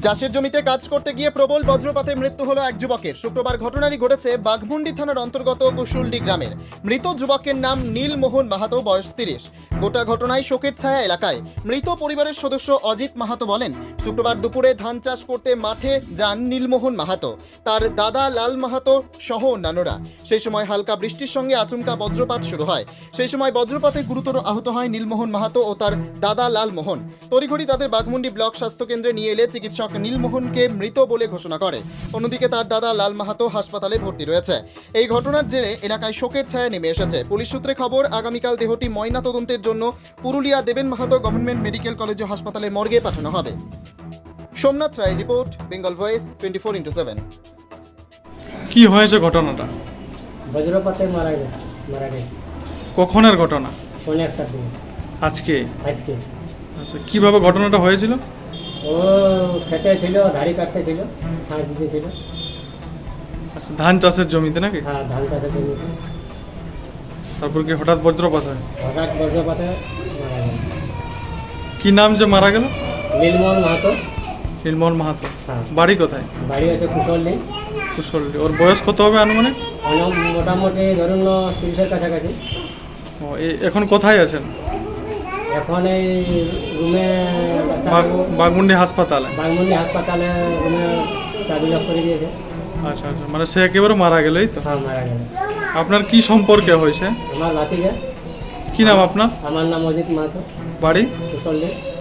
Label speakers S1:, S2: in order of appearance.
S1: চাষের জমিতে কাজ করতে গিয়ে প্রবল বজ্রপাতে মৃত্যু হলো এক যুবকের। শুক্রবার ঘটনাটি ঘটেছে বাঘমুন্ডি থানার অন্তর্গত কুশুলডি গ্রামের। মৃত যুবকের নাম নীলমোহন মাহাতো, বয়স 30। গোটা ঘটনায় শোকের ছায়া এলাকায়। মৃত পরিবারের সদস্য অজিত মাহাতো বলেন, শুক্রবার দুপুরে ধান চাষ করতে মাঠে যান নীলমোহন মাহাতো, তার দাদা লাল মাহাতো সহ অন্যান্যরা। সেই সময় হালকা বৃষ্টির সঙ্গে আচমকা বজ্রপাত শুরু হয়। সেই সময় বজ্রপাতে গুরুতর আহত হয় নীলমোহন মাহাতো ও তার দাদা লাল মোহন। তড়িঘড়ি তাদের বাঘমুন্ডি ব্লক স্বাস্থ্যকেন্দ্রে নিয়ে এলে চিকিৎসক নীলমোহনকে মৃত বলে ঘোষণা করে। অন্যদিকে তার দাদা লাল মাহাতো হাসপাতালে ভর্তি রয়েছে। এই ঘটনার জেরে এলাকায় শোকের ছায়া নেমে এসেছে। পুলিশ সূত্রে খবর, আগামীকাল দেহটি ময়না তদন্তের জন্য Purulia Deben Mahato government medical college ও হাসপাতালের মর্গে পাঠানো হবে। Somnath Roy report, Bengal voice 24x7।
S2: কি হয়েছে ঘটনাটা?
S3: বজ্রপাতে মারা গেছে।
S2: কখনের ঘটনা?
S3: ফোনে একটা দিন
S2: আজকে?
S3: আজকে
S2: আচ্ছা, কিভাবে ঘটনাটা হয়েছিল?
S3: ও খেতে ছিল, ধাড়ি কাটতে ছিল, ছাঁচ দিতে ছিল।
S2: আচ্ছা, ধান চাষের জমিতে নাকি?
S3: হ্যাঁ, ধান চাষের জমিতে।
S2: তারপর কি হঠাৎ বজ্রপাত হয়?
S3: হঠাৎ বজ্রপাতে মারা গেল।
S2: কি নাম যে মারা গেল?
S3: নীলমোহন মাহাতো।
S2: নীলমোহন মাহাতো।
S3: হ্যাঁ।
S2: বাড়ি কোথায়?
S3: বাড়ি হচ্ছে কুশলডি।
S2: কুশলডি। ওর বয়স কত হবে আনুমানিক?
S3: মোটামুটি ধরুন 30-এর কাছাকাছি।
S2: ও, এখন কোথায় আছেন?
S3: এখন এই রুমে
S2: বাঘমুন্ডি হাসপাতালে?
S3: বাঘমুন্ডি হাসপাতালে রুমে চাবি লক করে দিয়েছে।
S2: আচ্ছা আচ্ছা, মানে সে একেবারে মারা গেল, এই তো?
S3: হ্যাঁ, মারা গেল।
S2: আপনার কি সম্পর্কে হয়েছে?
S3: আমার ভাতিজা।
S2: কি নাম আপনার?
S3: আমার নাম অজিত মাহাতো,
S2: বাড়ি?
S3: কুশলডি।